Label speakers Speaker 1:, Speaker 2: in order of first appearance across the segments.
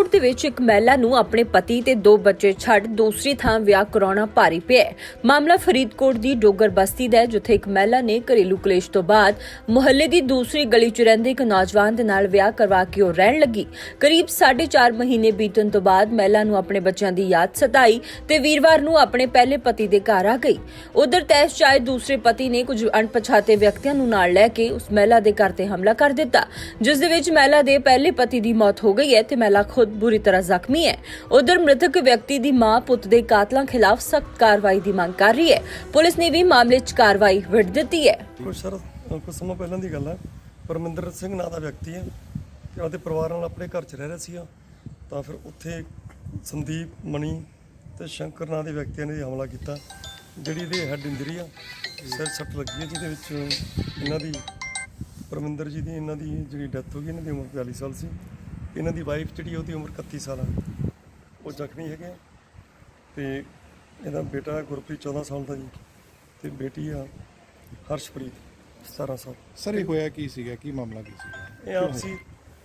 Speaker 1: ਫਰੀਦਕੋਟ ਦੇ ਵਿੱਚ ਇੱਕ ਮਹਿਲਾ ਨੂੰ ਆਪਣੇ ਪਤੀ ਤੇ 2 ਬੱਚੇ ਛੱਡ ਦੂਸਰੀ ਥਾਂ ਵਿਆਹ ਕਰਾਉਣਾ ਭਾਰੀ ਪਿਆ। ਮਾਮਲਾ ਫਰੀਦਕੋਟ ਦੀ ਡੋਗਰ ਬਸਤੀ ਦਾ ਹੈ, ਜਿੱਥੇ ਇੱਕ ਮਹਿਲਾ ਨੇ ਘਰੇਲੂ ਕਲੇਸ਼ ਤੋਂ ਬਾਅਦ ਮੁਹੱਲੇ ਦੀ ਦੂਸਰੀ ਗਲੀ 'ਚ ਰਹਿੰਦੇ ਇੱਕ ਨੌਜਵਾਨ ਦੇ ਨਾਲ ਵਿਆਹ ਕਰਵਾ ਕੇ ਉਹ ਰਹਿਣ ਲੱਗੀ। ਕਰੀਬ 4.5 ਮਹੀਨੇ ਬੀਤਣ ਤੋਂ ਬਾਅਦ ਮਹਿਲਾ ਨੂੰ ਆਪਣੇ ਬੱਚਿਆਂ ਦੀ ਯਾਦ ਸਤਾਈ ਤੇ ਵੀਰਵਾਰ ਨੂੰ ਆਪਣੇ ਪਹਿਲੇ ਪਤੀ ਦੇ ਘਰ ਆ ਗਈ। ਉਧਰ ਤੈਸ਼ ਚਾਹੇ ਦੂਸਰੇ ਪਤੀ ਨੇ ਕੁਝ ਅਣਪਛਾਤੇ ਵਿਅਕਤੀਆਂ ਨੂੰ ਨਾਲ ਲੈ ਕੇ ਉਸ ਮਹਿਲਾ ਦੇ ਘਰ ਤੇ ਹਮਲਾ ਕਰ ਦਿੱਤਾ, ਜਿਸ ਦੇ ਵਿੱਚ ਮਹਿਲਾ ਦੇ ਪਹਿਲੇ ਪਤੀ ਦੀ ਮੌਤ ਹੋ ਗਈ ਹੈ ਤੇ ਮਹਿਲਾ ਖੁਦ ਬੁਰੀ ਤਰ੍ਹਾਂ ਜ਼ਖਮੀ ਹੈ। ਉਧਰ ਮ੍ਰਿਤਕ ਵਿਅਕਤੀ ਦੀ ਮਾਂ ਪੁੱਤ ਦੇ ਕਾਤਲਾਂ ਖਿਲਾਫ ਸਖਤ ਕਾਰਵਾਈ ਦੀ ਮੰਗ ਕਰ ਰਹੀ ਹੈ। ਪੁਲਿਸ ਨੇ ਵੀ ਮਾਮਲੇ 'ਚ ਕਾਰਵਾਈ ਵਿੱਢ ਦਿੱਤੀ ਹੈ।
Speaker 2: ਕੁਝ ਸਮਾਂ ਪਹਿਲਾਂ ਦੀ ਗੱਲ ਹੈ। ਪਰਮਿੰਦਰ ਸਿੰਘ ਨਾਂ ਦਾ ਵਿਅਕਤੀ ਹੈ ਤੇ ਉਹਦੇ ਪਰਿਵਾਰ ਨਾਲ ਆਪਣੇ ਘਰ 'ਚ ਰਹਿ ਰਿਹਾ ਸੀਗਾ, ਤਾਂ ਫਿਰ ਉੱਥੇ ਸੰਦੀਪ ਮਣੀ ਤੇ ਸ਼ੰਕਰ ਨਾਂ ਦੇ ਵਿਅਕਤੀਆਂ ਨੇ ਹਮਲਾ ਕੀਤਾ, ਜਿਹੜੀ ਇਹਦੇ ਹੈਡ ਇੰਜਰੀ ਆ, ਸਿਰ ਸੱਟ ਲੱਗੀ ਹੈ, ਜਿਹਦੇ ਵਿੱਚ ਇਹਨਾਂ ਦੀ ਪਰਮਿੰਦਰ ਜੀ ਦੀ ਇਹਨਾਂ ਦੀ ਜਿਹੜੀ ਡੈਥ ਹੋ ਗਈ। ਇਹਨਾਂ ਦੀ ਉਮਰ 42 ਸਾਲ ਸੀ। ਇਹਨਾਂ ਦੀ ਵਾਈਫ ਜਿਹੜੀ ਉਹਦੀ ਉਮਰ 31 ਸਾਲ ਆ, ਉਹ ਜ਼ਖਮੀ ਹੈਗੇ। ਤੇ ਇਹਦਾ ਬੇਟਾ ਗੁਰਪ੍ਰੀਤ 14 ਸਾਲ ਦਾ ਜੀ, ਤੇ ਬੇਟੀ ਆ ਹਰਸ਼ਪ੍ਰੀਤ 17 ਸਾਲ।
Speaker 3: ਸਰ ਇਹ ਹੋਇਆ ਕੀ ਸੀਗਾ, ਕੀ ਮਾਮਲਾ ਕੀ ਸੀਗਾ?
Speaker 2: ਇਹ ਆਪਸੀ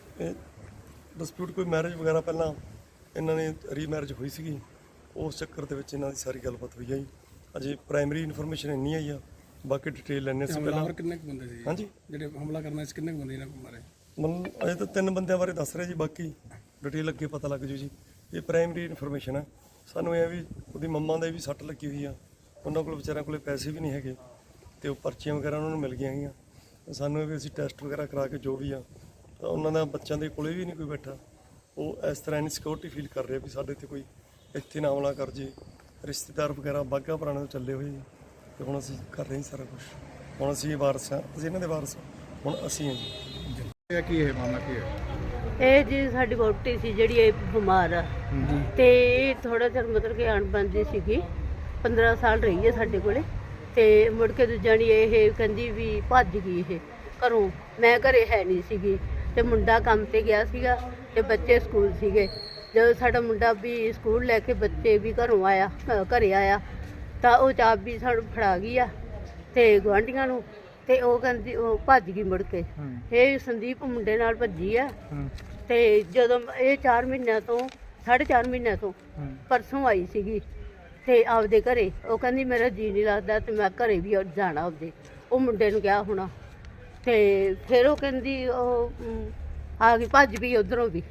Speaker 2: ਡਿਸਪਿਊਟ, ਕੋਈ ਮੈਰਿਜ ਵਗੈਰਾ ਪਹਿਲਾਂ ਇਹਨਾਂ ਨੇ ਰੀਮੈਰਿਜ ਹੋਈ ਸੀਗੀ, ਉਸ ਚੱਕਰ ਦੇ ਵਿੱਚ ਇਹਨਾਂ ਦੀ ਸਾਰੀ ਗੱਲਬਾਤ ਹੋਈ ਆ ਜੀ। ਅਜੇ ਪ੍ਰਾਇਮਰੀ ਇਨਫੋਰਮੇਸ਼ਨ ਇੰਨੀ ਆਈ ਆ, ਬਾਕੀ ਡਿਟੇਲ ਲੈਣੇ ਸੀ ਪਹਿਲਾਂ।
Speaker 4: ਕਿੰਨੇ ਕੁ ਬੰਦੇ ਸੀ?
Speaker 2: ਹਾਂਜੀ,
Speaker 4: ਜਿਹੜੇ ਹਮਲਾ ਕਰਨਾ ਸੀ ਕਿੰਨੇ ਕੁ ਬੰਦੇ ਇਹਨਾਂ ਕੋਲ ਮਾਰੇ?
Speaker 2: ਮਤਲਬ ਅਜੇ ਤਾਂ 3 ਬੰਦਿਆਂ ਬਾਰੇ ਦੱਸ ਰਹੇ ਜੀ, ਬਾਕੀ ਡਿਟੇਲ ਅੱਗੇ ਪਤਾ ਲੱਗ ਜੂ ਜੀ। ਇਹ ਪ੍ਰਾਇਮਰੀ ਇਨਫੋਰਮੇਸ਼ਨ ਹੈ। ਸਾਨੂੰ ਇਹ ਵੀ ਉਹਦੀ ਮੰਮਾ ਦੇ ਵੀ ਸੱਟ ਲੱਗੀ ਹੋਈ ਆ, ਉਹਨਾਂ ਕੋਲ ਵਿਚਾਰਿਆਂ ਕੋਲ ਪੈਸੇ ਵੀ ਨਹੀਂ ਹੈਗੇ, ਤੇ ਉਹ ਪਰਚੀਆਂ ਵਗੈਰਾ ਉਹਨਾਂ ਨੂੰ ਮਿਲ ਗਈਆਂ ਹੈਗੀਆਂ। ਸਾਨੂੰ ਇਹ ਵੀ ਅਸੀਂ ਟੈਸਟ ਵਗੈਰਾ ਕਰਾ ਕੇ ਜੋ ਵੀ ਆ, ਤਾਂ ਉਹਨਾਂ ਦਾ ਬੱਚਿਆਂ ਦੇ ਕੋਲੇ ਵੀ ਨਹੀਂ ਕੋਈ ਬੈਠਾ। ਉਹ ਇਸ ਤਰ੍ਹਾਂ ਇਨਸਿਕਿਉਰਿਟੀ ਫੀਲ ਕਰ ਰਿਹਾ ਵੀ ਸਾਡੇ ਤੇ ਕੋਈ ਇੱਥੇ ਨਾ ਹਮਲਾ ਕਰ ਜੇ। ਰਿਸ਼ਤੇਦਾਰ ਵਗੈਰਾ ਬਾਘਾ ਪੁਰਾਣੇ ਤੋਂ ਚੱਲੇ ਹੋਏ, ਤੇ ਹੁਣ ਅਸੀਂ ਕਰ ਰਹੇ ਹਾਂ ਸਾਰਾ ਕੁਝ। ਹੁਣ ਅਸੀਂ ਵਾਰਸ ਹਾਂ, ਅਸੀਂ ਇਹਨਾਂ ਦੇ ਵਾਰਸ ਹਾਂ, ਹੁਣ ਅਸੀਂ ਹਾਂ ਜੀ।
Speaker 3: ਇਹ ਕੀ ਹੈ ਮਾਮਲਾ, ਕੀ ਹੈ?
Speaker 5: ਇਹ ਜੀ ਸਾਡੀ ਵਹੁਟੀ ਸੀ ਜਿਹੜੀ ਇਹ ਬਿਮਾਰ ਆ, ਤੇ ਇਹ ਥੋੜਾ ਚਿਰ ਮਤਲਬ ਕਿ ਅਣਬਣਦੀ ਸੀਗੀ। 15 ਸਾਲ ਰਹੀ ਹੈ ਸਾਡੇ ਕੋਲੇ, ਤੇ ਮੁੜ ਕੇ ਦੂਜਾ ਇਹ ਕਹਿੰਦੀ ਵੀ ਭੱਜ ਗਈ ਇਹ ਘਰੋਂ। ਮੈਂ ਘਰੇ ਹੈ ਨਹੀਂ ਸੀਗੀ, ਤੇ ਮੁੰਡਾ ਕੰਮ ਤੇ ਗਿਆ ਸੀਗਾ, ਤੇ ਬੱਚੇ ਸਕੂਲ ਸੀਗੇ। ਜਦੋਂ ਸਾਡਾ ਮੁੰਡਾ ਵੀ ਸਕੂਲ ਲੈ ਕੇ ਬੱਚੇ ਵੀ ਘਰੋਂ ਆਇਆ, ਘਰੇ ਆਇਆ, ਤਾਂ ਉਹ ਚਾਬੀ ਸਾਨੂੰ ਫੜਾ ਗਈ ਆ ਤੇ ਗੁਆਂਢੀਆਂ ਨੂੰ, ਤੇ ਉਹ ਕਹਿੰਦੀ ਉਹ ਭੱਜ ਗਈ ਮੁੜ ਕੇ। ਇਹ ਸੰਦੀਪ ਮੁੰਡੇ ਨਾਲ ਭੱਜੀ ਆ। ਤੇ ਜਦੋਂ ਇਹ 4 ਮਹੀਨਿਆਂ ਤੋਂ 4.5 ਮਹੀਨਿਆਂ ਤੋਂ ਪਰਸੋਂ ਆਈ ਸੀਗੀ, ਤੇ ਆਪਦੇ ਘਰੇ ਉਹ ਕਹਿੰਦੀ ਮੇਰਾ ਜੀ ਨਹੀਂ ਲੱਗਦਾ, ਤੇ ਮੈਂ ਘਰੇ ਵੀ ਜਾਣਾ ਆਪਦੇ। ਉਹ ਮੁੰਡੇ ਨੂੰ ਕਿਹਾ ਹੋਣਾ, ਤੇ ਫਿਰ ਉਹ ਕਹਿੰਦੀ ਉਹ ਆ ਗਈ, ਭੱਜ ਗਈ ਉਧਰੋਂ ਵੀ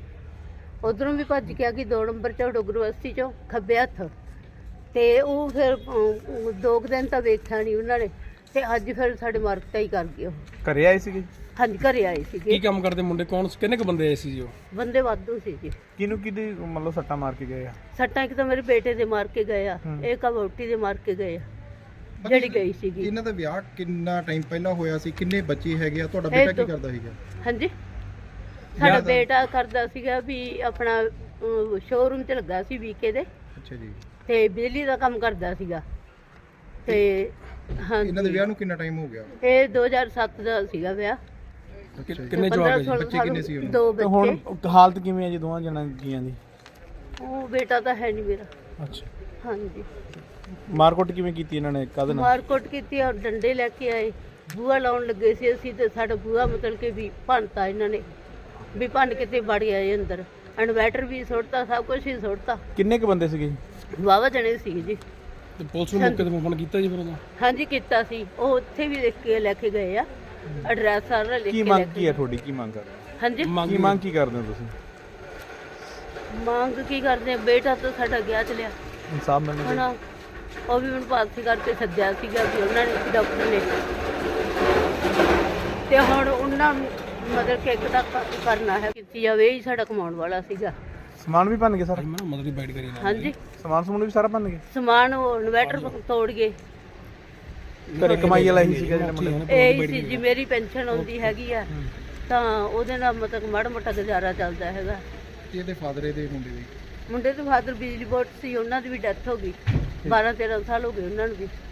Speaker 5: ਭੱਜ ਕੇ ਆ ਗਈ 2 ਨੰਬਰ 'ਚ ਡੋਗਰ ਬਸਤੀ 'ਚੋਂ ਖੱਬੇ ਹੱਥ। ਤੇ ਉਹ ਫਿਰ 2 ਦਿਨ ਤਾਂ ਵੇਖਿਆ ਨਹੀਂ ਉਹਨਾਂ ਨੇ, ਤੇ ਅੱਜ ਫਿਰ ਸਾਡੇ ਮਾਰਕਟਾ ਹੀ ਕਰ ਗਏ। ਉਹ
Speaker 3: ਘਰੇ ਆਏ ਸੀਗੇ?
Speaker 5: ਹਾਂਜੀ, ਘਰੇ ਆਏ ਸੀਗੇ।
Speaker 4: ਕੀ ਕੰਮ ਕਰਦੇ ਮੁੰਡੇ? ਕੌਣ, ਕਿੰਨੇ ਕੁ ਬੰਦੇ ਆਏ ਸੀ ਜੀ? ਉਹ
Speaker 5: ਬੰਦੇ ਵਾਧੂ ਸੀ ਜੀ।
Speaker 3: ਕਿਹਨੂੰ ਕਿਹਦੀ ਮਤਲਬ ਸੱਟਾਂ ਮਾਰ ਕੇ ਗਏ ਆ?
Speaker 5: ਸੱਟਾਂ ਇੱਕ ਤਾਂ ਮੇਰੇ ਬੇਟੇ ਦੇ ਮਾਰ ਕੇ ਗਏ ਆ, ਇੱਕ ਆ ਵਹੁਟੀ ਦੇ ਮਾਰ ਕੇ ਗਏ ਆ, ਜਿਹੜੀ ਗਈ ਸੀਗੀ।
Speaker 3: ਇਹਨਾਂ ਦਾ ਵਿਆਹ ਕਿੰਨਾ ਟਾਈਮ ਪਹਿਲਾਂ ਹੋਇਆ ਸੀ? ਕਿੰਨੇ ਬੱਚੇ ਹੈਗੇ ਆ? ਤੁਹਾਡਾ ਬੇਟਾ ਕੀ ਕਰਦਾ ਸੀਗਾ?
Speaker 5: ਹਾਂਜੀ, ਸਾਡਾ ਬੇਟਾ ਕਰਦਾ ਸੀਗਾ ਵੀ ਆਪਣਾ ਸ਼ੋਰੂਮ 'ਚ ਲੱਗਾ ਸੀ ਵੀਕੇ ਦੇ।
Speaker 3: ਅੱਛਾ ਜੀ। ਤੇ
Speaker 5: ਬਿਜਲੀ ਦਾ ਕੰਮ ਕਰਦਾ ਸੀਗਾ। ਤੇ ਹਾਂਜੀ,
Speaker 3: ਇਹਨਾਂ ਦੇ ਵਿਆਹ ਨੂੰ ਕਿੰਨਾ ਟਾਈਮ ਹੋ ਗਿਆ?
Speaker 5: ਇਹ 2007 ਦਾ ਸੀਗਾ ਵਿਆਹ।
Speaker 4: ਕਿੰਨੇ ਜਵਾਕ ਜੀ?
Speaker 3: ਬੱਚੇ ਕਿੰਨੇ ਸੀ ਉਹਨਾਂ
Speaker 5: 2 ਬੱਚੇ।
Speaker 6: ਹੁਣ ਹਾਲਤ ਕਿਵੇਂ ਹੈ ਜੀ ਦੋਵਾਂ ਜਣਾਂ ਜੀਆਂ ਦੀ?
Speaker 5: ਉਹ ਬੇਟਾ ਤਾਂ ਹੈ ਨਹੀਂ ਮੇਰਾ।
Speaker 6: ਅੱਛਾ,
Speaker 5: ਹਾਂਜੀ।
Speaker 6: ਮਾਰਕੁੱਟ ਕਿਵੇਂ ਕੀਤੀ ਇਹਨਾਂ ਨੇ? ਕਾਹਦੇ ਨਾਲ
Speaker 5: ਮਾਰਕੁੱਟ ਕੀਤੀ? ਔਰ ਡੰਡੇ ਲੈ ਕੇ ਆਏ, ਬੂਹਾ ਲਾਉਣ ਲੱਗੇ ਸੀ ਅਸੀਂ, ਤੇ ਸਾਡਾ ਬੂਹਾ ਮਤਲਬ ਕਿ ਵੀ ਭੰਨਤਾ ਇਹਨਾਂ ਨੇ, ਵੀ ਭੰਨ ਕੇ ਤੇ ਵੜ ਆਏ ਅੰਦਰ। ਇਨਵੈਟਰ ਵੀ ਸੁੱਟਤਾ, ਸਭ ਕੁਝ ਹੀ ਸੁੱਟਤਾ।
Speaker 6: ਕਿੰਨੇ ਕੁ ਬੰਦੇ ਸੀਗੇ?
Speaker 5: ਵਾਹਵਾ ਜਣੇ ਸੀ ਜੀ।
Speaker 4: ਤੇ ਪੁਲਿਸ ਨੂੰ ਮੌਕੇ ਤੇ ਫੋਨ ਕੀਤਾ ਜੀ ਫਿਰ ਉਹਦਾ?
Speaker 5: ਹਾਂਜੀ, ਕੀਤਾ ਸੀ। ਉਹ ਉੱਥੇ ਵੀ ਲਿਖ ਕੇ ਲੈ ਕੇ ਗਏ ਆ, ਐਡਰੈਸ ਸਾਰਾ ਲਿਖ
Speaker 6: ਕੀ
Speaker 5: ਕੇ
Speaker 6: ਮੰਗ
Speaker 5: ਲੈ
Speaker 6: ਕੀ
Speaker 5: ਕੇ।
Speaker 6: ਹੈ ਤੁਹਾਡੀ? ਕੀ ਮੰਗ ਕਰ ਰਹੇ ਹੋ?
Speaker 5: ਹਾਂਜੀ,
Speaker 6: ਕੀ ਮੰਗ ਕੀ ਕਰਦੇ ਹੋ ਤੁਸੀਂ?
Speaker 5: ਮੰਗ ਕੀ ਕਰਦੇ ਆ? ਬੇਟਾ ਤਾਂ ਸਾਡਾ ਗਿਆ ਚਲਿਆ,
Speaker 6: ਇਨਸਾਫ ਮਿਲਣਾ
Speaker 5: ਹੁਣ
Speaker 6: ਚਾਹੀਦਾ।
Speaker 5: ਉਹ ਵੀ ਮੈਨੂੰ ਪਾਲਸੀ ਕਰਕੇ ਸੱਦਿਆ ਸੀਗਾ ਵੀ ਉਹਨਾਂ ਨੇ, ਡਾਕਟਰ ਨੇ, ਤੇ ਹੁਣ ਉਹਨਾਂ ਨੂੰ ਮਤਲਬ ਕਿ ਇੱਕ ਤਾਂ ਕਰਨਾ ਹੈ, ਕੀਤੀ ਜਾਵੇ। ਇਹ ਸਾਡਾ ਕਮਾਉਣ ਵਾਲਾ ਸੀਗਾ।
Speaker 6: ਸਮਾਨ ਵੀ ਭੰਨ ਗਏ ਸਾਰਾ?
Speaker 4: ਮਤਲਬ ਦੀ ਬਾਈਟ ਕਰੀ ਨਾ?
Speaker 5: ਹਾਂਜੀ,
Speaker 6: ਸਮਾਨ ਵੀ ਸਾਰਾ ਭੰਨ ਗਏ?
Speaker 5: ਸਮਾਨ ਉਹ ਇਨਵੈਟਰ ਤੋੜ ਗਏ।
Speaker 6: ਘਰੇ ਕਮਾਈ ਵਾਲਾ ਹੀ ਸੀਗਾ ਜਿਹੜਾ ਮੁੰਡਾ?
Speaker 5: ਇਹ ਸੀ ਜੀ, ਮੇਰੀ ਪੈਨਸ਼ਨ ਆਉਂਦੀ ਹੈਗੀ ਆ, ਤਾਂ ਉਹਦੇ ਨਾਲ ਮਤਲਬ ਮਾੜਾ ਮੋਟਾ ਗੁਜ਼ਾਰਾ ਚੱਲਦਾ ਹੈਗਾ।
Speaker 3: ਇਹਦੇ ਫਾਦਰ ਦੇ
Speaker 5: ਮੁੰਡੇ ਦੇ ਫਾਦਰ ਬਿਜਲੀ ਬੋਰਡ ਸੀ, ਉਹਨਾਂ ਦੀ ਵੀ ਡੈਥ ਹੋ ਗਈ। 12-13 ਸਾਲ ਹੋ ਗਏ ਉਹਨਾਂ ਨੂੰ ਵੀ।